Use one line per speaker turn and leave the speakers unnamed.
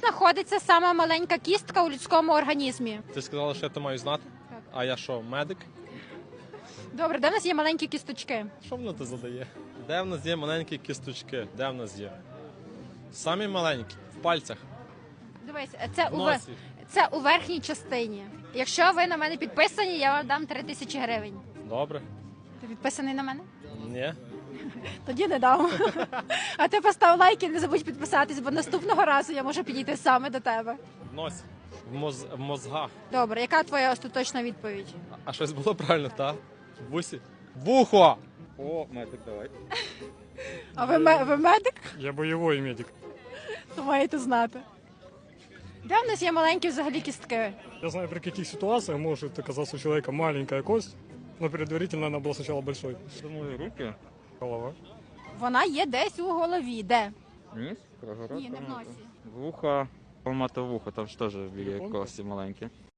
знаходиться сама маленька кістка у людському організмі?
Ти сказала, що я то маю знати?
Так.
А я що, медик?
Добре, де в нас є маленькі кісточки?
Що воно ти задає? Де в нас є маленькі кісточки? Де в нас є? Самі маленькі, в пальцях,
Дивись,
в носі.
це у верхній частині. Якщо ви на мене підписані, я вам дам 3000 гривень.
Добре?
Ти підписаний на мене?
Ні.
Тоді не дам. А ти постав лайк і не забудь підписатись, бо наступного разу я можу підійти саме до тебе.
В носі. В мозгах.
Добре, яка твоя остаточна відповідь?
А щось було правильно, так? В вусі? Вухо!
О, медик, давай.
А ви медик?
Я бойовий медик.
То маєте знати. Де в нас є маленькі взагалі кістки?
Я знаю, при каких ситуациях может оказаться у человека маленькая кость, но предварительно она была сначала большой.
Думаю, руки.
Голова.
Вона є десь у голові. Де?
Ніс, прогород.
Ні, не в носі.
Вуха, помато вухо, там ж теж є
Телефон?
кості маленькі.